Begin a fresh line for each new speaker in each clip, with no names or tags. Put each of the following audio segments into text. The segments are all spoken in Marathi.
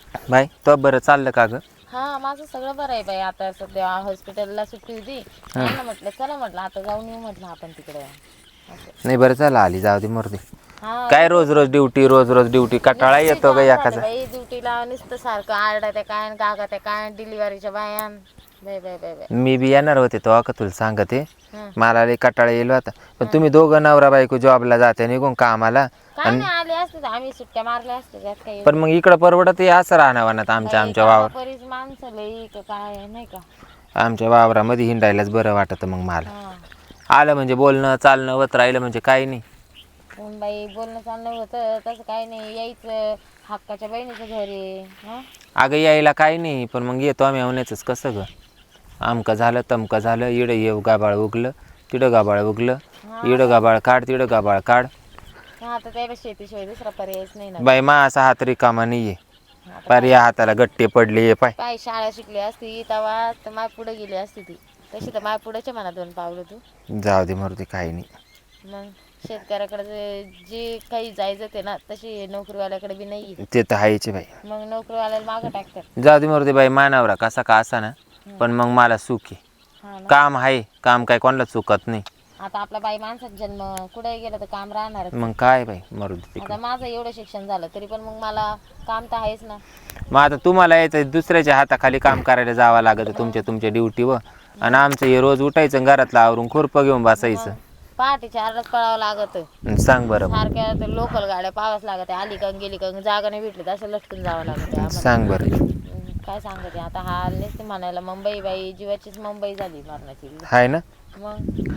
बाई तो बरं चाललं का ग?
हा माझं सगळं बरं आहे बाई. आता सध्या हॉस्पिटलला सुट्टी होती. ना म्हटलं चला म्हटलं आता जाऊन येऊ म्हटलं आपण तिकडे असं.
नाही बरं झालं आली, जाऊ दे मूर्ती.
हा
काय रोज रोज ड्युटी कटाळा येतो ग एखादा.
बाई ड्युटीला नुसतं सारखं आरडा त्या काय काका त्या काय डिलिव्हरीच्या बायान बाय बाय बाय बाय.
मी बी येणार होते तो का तुला सांगते.
हं.
मला लई कटाळा येईल होता, पण तुम्ही दोघं नवरा बायको जॉबला जाते निघून कामाला.
काय नाही आले असते तर आम्ही सुट्ट्या मारल्या असते त्यात काही.
पण मग इकडं परवडत असं राहणार आमच्या वावर.
बरीच माणसं लई काय नाही का.
आमच्या वावरामध्ये हिंडायलाच बरं वाटतं मग मला.
हा.
आलं म्हणजे बोलणं चालणं वत राहिलं म्हणजे काही नाही.
बाई बोलणं चालणं होतं तसं काही नाही. यायचं हक्काच्या बहिणीचं घर आहे. हा
अगं यायला काही नाही, पण मग येतो आम्ही आवण्याचंच कसं ग. आमकं झालं तमकं झालं, इडं येऊ गाबाळ उगलं तिडं गाबाळ उगलं, इडं गाबाळ काढ तिडं गाबाळ काढ.
आता त्याला शेतीशिवाय दुसरा पर्यायच नाही ना.
बाई मा असा हात रिकामा नाहीये. पार या हाताला गट्टे पडले पाय.
पाय शाळा शिकली असती तेव्हा तर माय पुढे गेली असती ती. तशी तर माय पुढेच्या म्हणा दोन पावलं तू.
जाऊ दे मूर्ती काही नाही.
मग शेतकऱ्याकडे जे काही जायचं ते ना तशी नोकरीवाल्याकडे बी नाही.
ते तर हायचे बाई.
मग नोकरीवाल्याला मागं टाकतात.
जाऊ दे मूर्ती बाई, मानावरा कसा का असा ना, पण मग मला सुख आहे. काम आहे, काम काय कोणाला चुकत नाही.
आता आपला बाई माणसाचा जन्म कुठे गेला तर काम राहणार.
मग काय बाई मरुदी.
आता माझं एवढं शिक्षण झालं तरी पण मग मला काम तर आहेच ना.
मग आता तुम्हाला यायचं दुसऱ्याच्या हाताखाली काम करायला जावं लागतं तुमच्या ड्युटीवर. आणि आमचं हे रोज उठायचं घरातलं आवरून खुरपं घेऊन बसायचं.
पहाटे 4लाच पळावं लागत.
सांग बरं.
सारख्या तर लोकल गाड्या पाहाव्याच लागत. आली का गेली का जागा नाही भेटली तर असं लटकून जावं लागत.
सांग बरं.
काय सांगते आता हा नसते म्हणायला मुंबई बाई जीवाचीच मुंबई झाली मरणाची.
हाय ना.
मग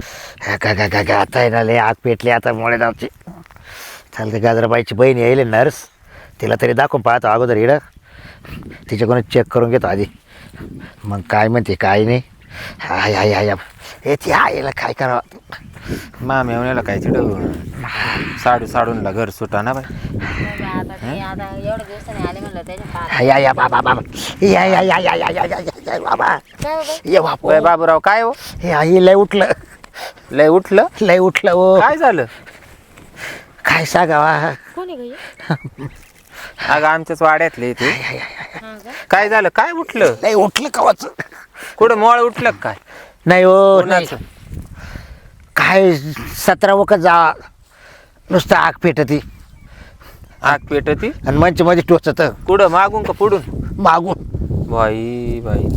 आता आहे ना लय आग पेटली आता मोळे नावची. चालते गाजराबाईची बहीण येईल नर्स, तिला तरी दाखवून पाहतो अगोदर इडं. तिच्याकडून चेक करून घेतो आधी, मग काय म्हणते काय नाही. हाय हाय हाय हे ती आईला काय करावं.
मामी येऊन काय तिथं साडूनला घर सुटा ना बाई.
आता एवढ्या दिवसाने आले म्हणलं त्याच्या
या या बाबा बाबा या या या या या या या या बाबा ये बाबा.
बाबूराव काय हो?
हे आई लय उठलं
लय उठलं
हो.
काय झालं?
काय सांगावा.
कोणी गई.
अगं आमच्याच वाड्यातले ते. काय झालं? काय उठलं?
लय उठलं कवाच.
कुठं मोळ उठलं काय?
नाही हो नाही.
कोणाचं?
काय 17 वखत जा नुसतं आग पेटती
आग पेटती
आणि मंच मध्ये टोचत
कुठं मागून का पुढून?
मागून.
बाई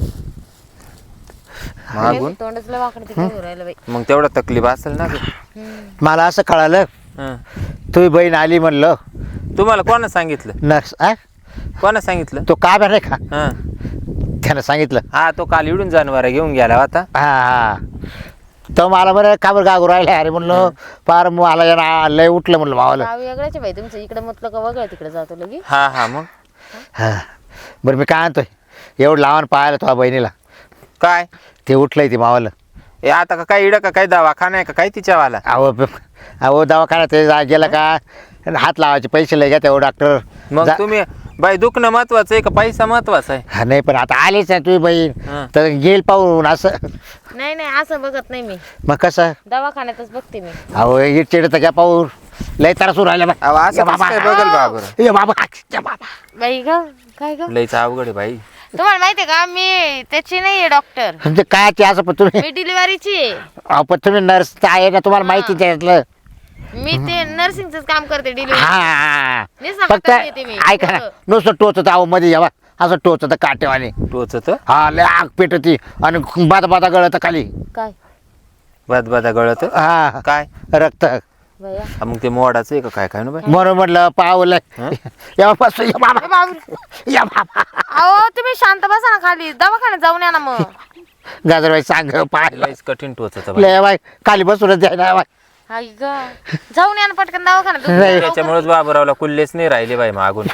मागून.
तोंडच लय वाकडं तिकडे राहिलं बाई.
मग तेवढा तकलीफ असेल ना ग.
मला असं कळालं
हं.
तुझी बहीण आली म्हणलं.
तुम्हाला कोणा सांगितलं?
नर्स
कोणा सांगितलं?
तो का नाही का
हा
त्यानं सांगितलं.
हा तो काल इडून जनावर घेऊन गेला होता.
हा हा तो मला बरं का बरं गागू राहिला अरे म्हणलं पार मला लय उठलं म्हणलं मावाला.
गाव वेगळ्याच बाई तुमचं. इकडे म्हटलं का वगळं तिकडे जातो लगी.
हा मग
हा बरं मी काय आणतोय एवढं लावून पाहायला तुझ्या बहिणीला
काय
ते उठलंय ते मावाला.
ए आता का काय इडं का काय दवाखाना आहे का काय तिच्यावाला?
अहो दवाखान्यात ते गेला का हात लावायचे पैसे लय घ्या डॉक्टर.
मग तुम्ही बाई दुखणं महत्वाचं आहे का पैसा महत्वाचा आहे?
हा नाही पण आता आलीच ना तुझी बहीण
हं.
तर गेल पाहून असं.
नाही असं बघत नाही मी.
मग कसं
दवाखान्यातच बघते मी.
अहो इट चिड तर घ्या पाहून लय त्रासून राहिला
अहो, असं कसं काय बघल बाबर?
ये बाबा
बाई ग काय ग.
लईच अवघड आहे बाई.
तुम्हाला माहितीये का मी त्याची नाहीये डॉक्टर.
म्हणजे काय ते असं पण तुम्ही
मी डिलिव्हरीची आहे.
अहो पण तुम्ही नर्स आहे ना तुम्हाला माहिती त्यातलं.
मी ते नर्सिंगच काम करते डिलिव्हरी.
हा फक्त ऐका ना नुसतं टोचत अहो मध्ये जेव्हा असं टोचत काटेवाने
टोचत
हा लय आग पेटती आणि बादा गळत खाली.
काय
बदा गळत
हा
काय
रक्त.
भैया
हा, मग ते मोडाचं आहे का काय ना बाई?
म्हणून म्हटलं पावलं या बाबा या बाबा.
अहो तुम्ही शांत बसा ना खाली. दवाखान्यात जाऊन या ना मग.
गाजरबाई सांग पाहिलं
लईच कठीण टोचत बाई.
लय बाई खाली बसूनच द्यायला बाई.
हाय ग जाऊन या ना पटकन दवाखान्यात.
त्याच्यामुळेच बाबूरावला कुल्लेच नाही राहिले बाई मागून.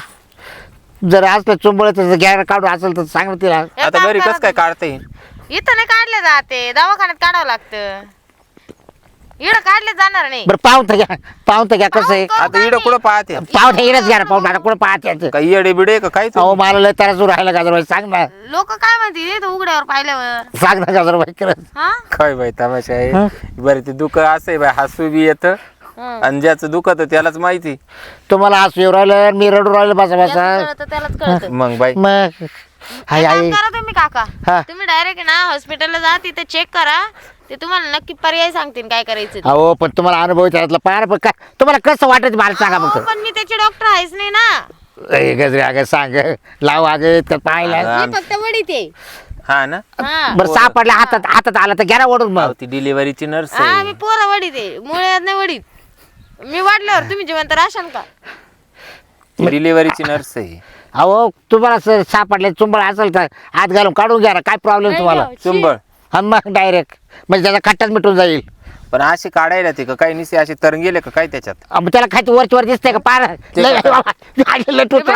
जर असलं चुंबळ गॅर काढून असेल तर सांग तिला.
आता घरी कस काय काढता येईल?
इथं नाही काढले जाते दवाखान्यात काढावं लागतं. इकडं काढले जाणार नाही.
बरं पाहून तर घ्या कसं आहे.
आता इडं कुठं पाहते?
पाहून इडच घ्या ना पाहून मला कुठं पाहते.
काही येडे बिडे का काय?
अहो मला लय त्रास राहिला गाजरबाई सांग ना.
लोक काय म्हणतील इथं उघड्यावर पाहिल्यावर.
सांग ना गाजरबाई खरंच.
हा
काय बाई तमाशा आहे. बरं ते दुःख असं आहे बाई हसू बी येतं आणि ज्याचं दुखत त्यालाच माहिती.
तुम्हाला हसू येऊ राहिलं मी रडू राहिलो बसा बसा.
ज्याला कळतं त्यालाच कळतं.
मग बाई
मग हाय
एक काम
आई
करा तुम्ही काका,
हा.
तुम्ही डायरेक्ट ना हॉस्पिटलला जा, तिथे चेक करा, ते तुम्हाला नक्की पर्याय सांगतील काय करायचं ते.
अहो पण तुम्हाला अनुभव त्यातला पार पण काय तुम्हाला कसं वाटत मला सांगा
अहो,
फक्त.
पण मी त्याचे डॉक्टर आहेच नाही ना,
ए, गजरे अगं सांग लाव अगं तर पाहिला.
अगं,
मी फक्त वडीत आहे.
हा ना.
हा
बरं सापडला हातात हातात आला तर घ्या ना ओढून मग.
अहो, ती डिलिव्हरीची नर्स
हा,
आहे.
मी पोरं वडीत आहे, मुळे नाही वडीत. मी वाढल्यावर तुम्ही जिवंत राहशाल का?
डिलिव्हरीची नर्स आहे.
अहो तुम्हाला सापडले चुंबळ असेल तर हात घालून काढून घ्या ना काय प्रॉब्लेम तुम्हाला.
नाही,
चुंबळ
हा मग डायरेक्ट म्हणजे त्याचा खट्टाच मिटून जाईल.
पण अशी काढायला ते का काही निसे असे तरंग गेले का काय त्याच्यात?
मग त्याला खायचं वरची वर दिसतंय का पार
ते
लय
काय?
लय टोचू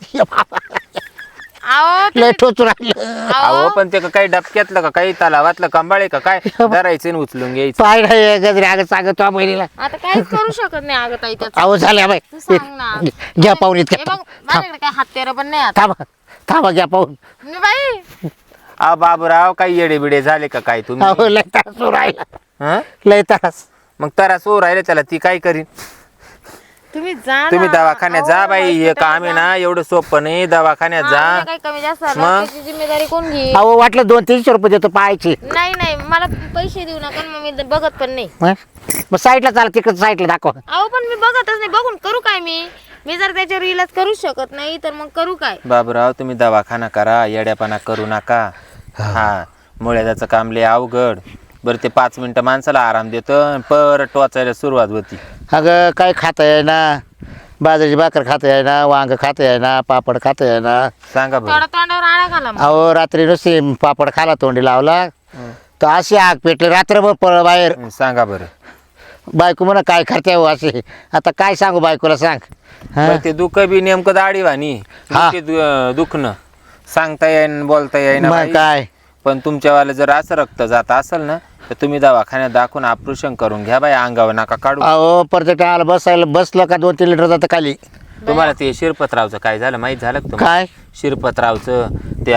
अहो
लय टोचू राहिलं.
अहो पण ते का काही डबक्यातलं का काही तलावातलं कंबाळे का काय धरायचं आणि उचलून घ्यायचं.
पाय नाही गजरे अगं सांगतो त्या बहिणीला.
आता काहीच करू शकत नाही अगं ताई त्याचं.
अहो झाल्या बाई
तू सांग ना.
घ्या पाहून
हे
इतक्या
बघ, माझ्याकडे काय हात पण नाही आता.
थांबा थांबा घ्या पाहून.
मी बाई
अहो बाबूराव काही येडे बिडे झाले का काय तुम्ही?
अहो लय त्रास होऊ राहिला
हं?
लय त्रास.
मग तरा सो राहिले त्याला ती काय करीन?
तुम्ही जा ना.
तुम्ही दवाखान्यात
अहो,
जा बाई. हे
hospital
काम आहे
जा.
ना एवढं सोपं नाही. दवाखान्यात
हा,
जा.
म्हणजे काही कमी जास्त झालं,
मग?
त्याची जिम्मेदारी कोण घेईल?
अहो वाटलं 200-300 रुपये देतो पाहायचे.
नाही नाही, मला पैसे देऊ नका, मग मी बघत पण नाही.
मग साईडला चाला तिकडे साईडला दाखवा.
अहो पण मी बघतच नाही, बघून करू काय मी जर त्याच्यावर इलाज करूच शकत नाही तर मग करू काय?
बाबूराव तुम्ही दवाखाना करा. येड्यापणा करू नका. हा मुळ्याचं काम लय अवघड. बरं ते 5 मिनिटं माणसाला आराम देतं परत टोचायला सुरुवात होती.
अगं काय खाता आहे ना बाजरीची भाकर खाता आहे ना वांग खाता आहे ना पापड खाता आहे ना.
सांगा बरं.
थोडा तोंडावर आळा घाला मग.
अहो रात्री नुसते पापड खाला तोंडी लावला तर अशी आग पेटली रात्रभर पळ बाहेर.
सांगा बरं.
बायको म्हणा काय करते हो असे. आता काय सांगू बायकोला सांग. हा?
बरं, ते दुःख बी नेमकं दाढीवानी
हा.
दुखणं सांगता येईन बोलता येईन
मग
बाई.
काय
पण तुमच्यावाला जर असं रक्त जात असेल ना तर तुम्ही दवाखान्यात दाखवून ऑपरेशन करून घ्या बाई. अंगावर नका काढू.
अहो परत टाळाला बसायला बसलं का 2-3 लिटर जातं खाली.
तुम्हाला ते शिरपतरावचं काय झालं माहीत झालं का तुम्हाला?
काय
शिरपतरावचं त्या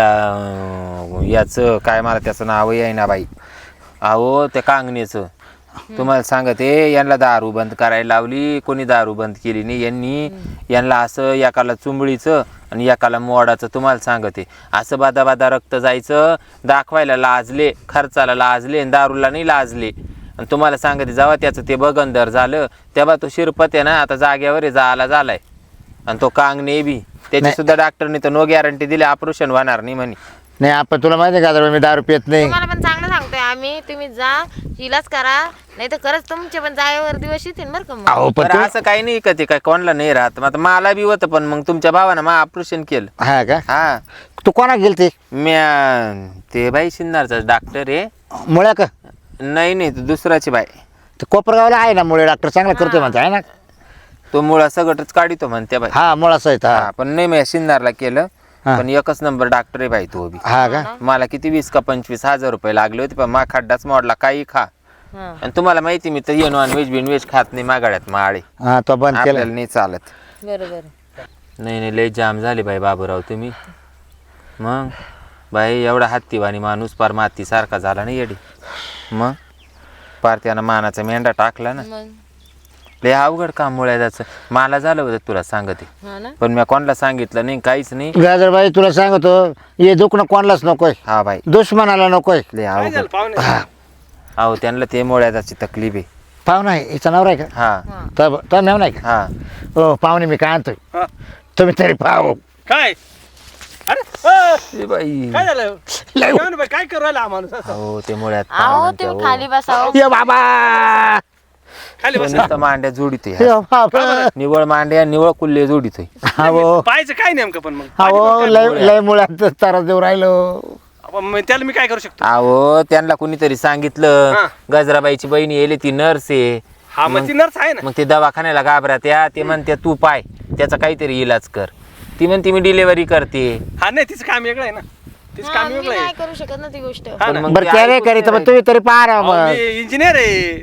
याचं काय मला त्याचं नाव येईना बाई. अहो त्या कांगण्याचं तुम्हाला सांगते यांना दारू बंद करायला लावली. कोणी दारू बंद केली नाही यांनी. यांना असं एकाला चुंबळीचं आणि एकाला मोडाचं. तुम्हाला सांगते असं बादा बादा रक्त जायचं. दाखवायला लाजले, खर्चाला लाजले आणि दारूला नाही लाजले. आणि तुम्हाला सांगते जेव्हा त्याचं ते बगंदर झालं तेव्हा तो शिरपत आहे ना आता जाग्यावर आहे, जायला झालाय. आणि तो कांगणे बी त्याची सुद्धा डॉक्टरने तर नो गॅरंटी दिली ऑपरेशन होणार नाही म्हणे.
नाही आपण तुला माहिती आहे का मी दारू पित नाही.
तुम्हाला पण चांगलं सांगतोय आम्ही, तुम्ही जा इलाज करा, नाही तर खरंच तुमचे पण जागेवर दिवस येतील बरं का मग.
अहो पण
बरं असं काही नाही का ते काय कोणाला नाही राहत. मग आता मला बी होतं पण मग तुमच्या भावानं मग ऑपरेशन केलं.
हा का
हा
तू कोणा गेलते
ते बाई शिंदारचा डॉक्टर आहे.
मुळ्या का
नाही नाही तो दुसराची बाई.
ते कोपरगावला आहे ना मुळे डॉक्टर चांगला करतोय म्हणते आहे ना.
तो मुळा सगळंच काढितो म्हणते बाई.
हा मुळा सहित हा
हा पण नाही मी शिंदारला केलं.
हा.
पण एकच नंबर डॉक्टर आहे बाई तो बी.
हा का
मला किती 20 का 25 हजार रुपये लागले होते. पण मा खड्डाच मोडला. काही खा.
हा.
आणि तुम्हाला माहिती मी तर ये नॉन व्हेज बिनव्हेज खात नाही मागाड्यात माळे.
हा तो बंद
आपल्याला
केलं.
नाही चालत.
बरोबर.
नाही नाही लय जाम झाले बाई बाबूराव तुम्ही. मग बाई एवढा हत्तीवाणी माणूस पार मातीसारखा झाला नाही येडी. मग पार त्यानं मानाचा मेंढा टाकला ना.
मग
लय अवघड काम मुळ्याचं. मला झालं होतं तुला सांगते.
हा ना.
पण मी कोणाला सांगितलं नाही काहीच नाही.
गाजरबाई तुला सांगतो हे दुखणं कोणालाच नकोय
हा बाई
दुश्मनाला नकोय.
लय अवघड. अहो त्यांना ते मुळ्याची तकलीफ आहे.
पाहुणा आहे हिचं नाव आहे का
हा
तो मेव नाही का
हा
हो पाहुणे मी काय आणतोय
हा.
तुम्ही तरी पाहू.
काय अरे
ए बाई
काय झालं
लय
जेवण बाई, काय करू राहिला हा माणूस असं?
अहो ते मुळ्यात
अहो तुम्ही खाली बसाव.
ये बाबा
खाली बस
मांड्या जोडितोय.
ये बाबा
निवळ मांड्या निवळ कुल्ले जोडितोय.
हो
पाहायचं काय नेमकं पण मग
हो लय लय मुळात तारा देऊ राहिलो.
आपण मग त्याला मी काय करू शकतो
अहो त्यांना कुणीतरी सांगितलं
हा.
गजराबाईची बहिणी येले ती नर्स आहे.
हा मग ती नर्स आहे ना.
मग ते दवाखान्याला घाबरत्या. ते म्हणते तू पाय त्याचा काहीतरी इलाज कर. ती म्हणते मी डिलिव्हरी करते.
हा नाही तिचं काम वेगळं आहे ना. तिचं
हा,
काम
मी
वेगळं
नाही
आहे.
करू शकत ना ती गोष्ट.
हा
पण
ना.
मग
बरं
ते
त्या रे
ऐकून
करीत
नाही
मग तुम्ही तरी पाहा
अहो,
मग
मी इंजिनियर आहे.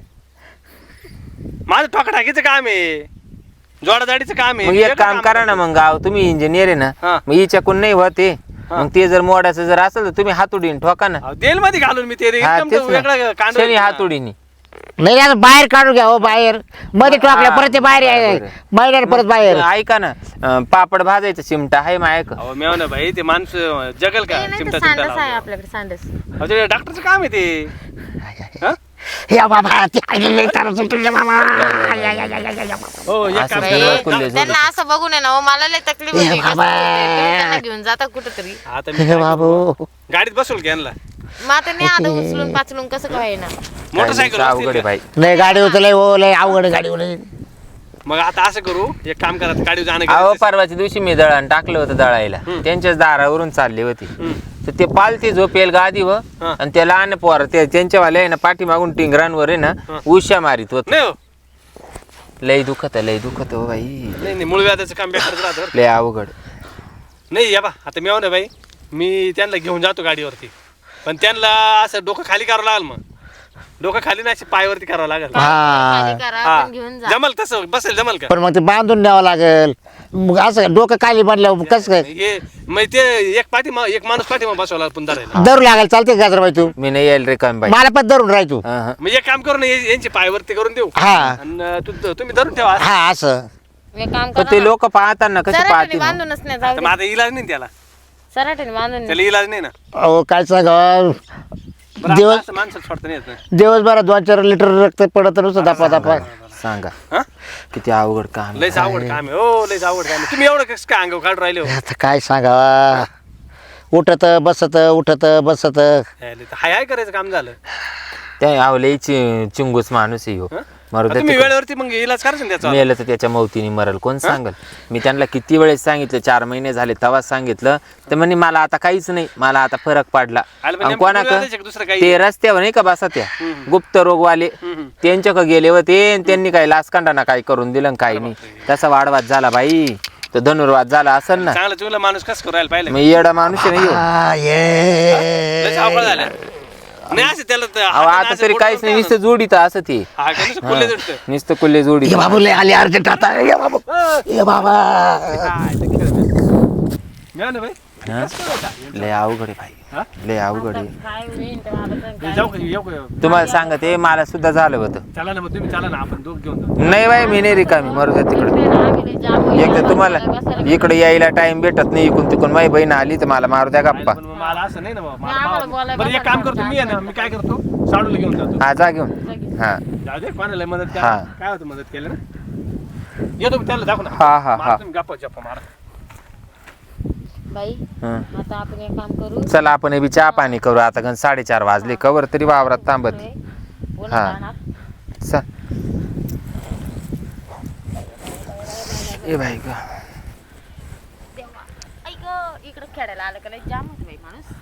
माझं ठोकाठाकीचं काम आहे. जोडाजाडीचं काम आहे.
मग एक काम करा ना. मग गाव तुम्ही इंजिनियर आहे ना.
हा.
मग हिच्याकून नाही होते. मग ते जर मोडाचं जर असेल तर तुम्ही हातोडीने ठोका ना.
तेल मध्ये घालून मी ते
हा
एकदम
तेच
वेगळं
ना.
कांड
शनी हातोडीने
नाही आता बाहेर काढून घ्या हो बाहेर मध्ये टाकल्या परत ते बाहेर आहे
बरं.
महिन्याने परत बाहेर
ऐका ना पापड भाजायचं चिमटा आहे मायक
अहो मेव ना भाई ते माणसं जगल का
नाही तर
चिमटा
सांडस
चिमटा
आहे आपल्याकडे सांडस.
अहो ते डॉक्टरचं काम आहे ते हा?
या बाबा ते आलेले तारा सुटले बाबा या, या, या, या, या, या.
हो एक
असं
काम
सगळं
करा.
कुल्ले जोडून.
त्यांना असं बघून आहे ना हो, मला लय तकलीफ होती. कसं
बाबा.
तुम्ही त्यांना घेऊन जाता कुठेतरी.
आता मी
हे
काय
बाबू
करू? गाडीत बसवल की यांना
मग आता नाही आता उचलून पाचलून कसं काय ना.
मोटरसायकल
अवघड आहे बाई.
नाही गाडी उचलय हो लय अवघड गाडी उचलय
मग आता असं करू एक काम करा गाडी जाणं
अहो
गरजेचं
परवाच्या दिवशी मी दळण टाकलं होतं दळायला त्यांच्याच दारावरून चालली होती तर ते पालती झोपेल गादी व
हा.
आणि त्या लहान पोर ते त्यांच्यावाले आहे ना पाठीमागून टिंगरांवर आहे ना उश्या मारित होत
नाही हो
लय दुखत हो बाई
नाही नाही मूळ व्याजाचं काम बेकारच राहतं बरं.
लय अवघड
नाही या बा आता मेव ना भाई मी त्यांना घेऊन जातो गाडीवरती पण त्यांना असं डोकं खाली करावं लागेल मग डोकं खाली नाही अशी पायावरती करावं लागेल
खाली करा
हा.
पण घेऊन जा.
जमल तसं बसेल जमल का
पण मग ते बांधून न्यावं लागेल मग असं डोकं खाली बांधल्यावर कसं काय
हे मग ते एक एक माणूस पाठीमा बसवला पण धरायला
धरू लागेल चालते गाजरबाई तू
मी नाही यायला रे काम बाई
मला पण धरून राह तू
हा, हा.
मग एक काम करू ना यांची पायावरती करून देऊ
हा
आणि तुम्ही धरून ठेवा
हा असं
एक काम
पण
करा
ते
ना.
लोक पाहताना कसे
सराटीने
पाहतील
बांधूनच नाही जाऊ
तर मग आता इलाज नाही त्याला
सराटीने बांधून
त्याला इलाज नाही ना
अहो काय सांगा
बरं,
दिवस-
आता असं माणसाला सोडता नाही येत ना.
दिवसभरात 2-4 लिटर रक्त पडत नुसतं दापा दापा
सांगा
हा?
किती अवघड काम
लयच आवड काम आहे हो लयच आवड काम आहे. तुम्ही एवढं कसं काय अंगावर काढून राहिले हो
आता काय सांगावा उठत बसत उठत बसत
हाय हाय करायचं काम झालं
त्या आवले चिंगूस माणूस आहे हो
हा?
मरू
आता
दे
तुम्ही
तिकडे.
वेळेवरती मग इलाज करायचं ना त्याचा
मेलं तर त्याच्या मौतीने मरल कोण सांगल मी त्यांना किती वेळेस सांगितलं 4 महिने झाले तेव्हाच सांगितलं तर म्हणे मला आता काहीच नाही मला आता फरक पडला
आलं पण
आणि
नेमकं
कोणाक
मुलगा द्यायचं का दुसरं काही?
ते रस्त्यावर नाही का बसा त्या गुप्त रोगवाले त्यांच्याक गेले होते आणि त्यांनी काही लासकांडाना काय करून दिलं आणि काही नाही तसा वाढवाद झाला बाई तो धनुर्वाद झाला असेल ना
चांगला चुंगला माणूस कसं करायला पाहिलं
मग येडा माणूस आहे नाही हो.
आ, ये.
लयच अवघड झालं नाही असं त्याला तर
अहो,
हाताने
आता
असं
तरी
बोट
काहीच नाही
करून
नुसतं जोडीत असं ते
हा काय नुसतं खुले जोडतं.
नुसतं कुल्ले जोडी
ये बाबू लय आले अर्जंट आता ये बाबू ये बाबा
काय ते खेळ नाही. मिळालं ना भाई
लय अवघड आहे
हा?
भाई लय अवघड आहे
काय होईल तेव्हा आता तर काय.
जाऊ का येऊ का
तुम्हाला सांगते मला सुद्धा झालं होतं
चला ना मग तुम्ही चला ना आपण दोघ घेऊन जाऊ
नाही बाई मी नाही रिकामी मरू द्या तिकडे
इकडे ना आम्ही लय जाम होईल.
एकदा तुम्हाला
बसायला
इकडे यायला टाइम भेटत नाही इकडून तिकडून माझी बहीण आली तर मला मारू द्या गप्पा
पण मग मला असं नाही ना बाबा. मला
आम्हाला
भाव-
बोलायला
बरं एक काम करतो मी आहे ना मी काय करतो साडूला घेऊन जातो
हा जा घेऊन हा
जाऊ दे कोणाला मदत
हा.
करा काय होतं मदत केलं ना येतो मी त्याला दाखव ना
हा, हा,
मारा
हा.
तुम्ही गप्पा जप्पा मारा
बाई
हं.
आता आपण एक काम करू
चला आपण हे बी चहा पाणी करू आता गण 4:30 वाजले कवर तरी वावरात थांबत
पुन्हा
हा.
जाणार.
चल ए बाई ग
ऐक इकडे खेळायला आलं का लय जाम होतं बाई माणूस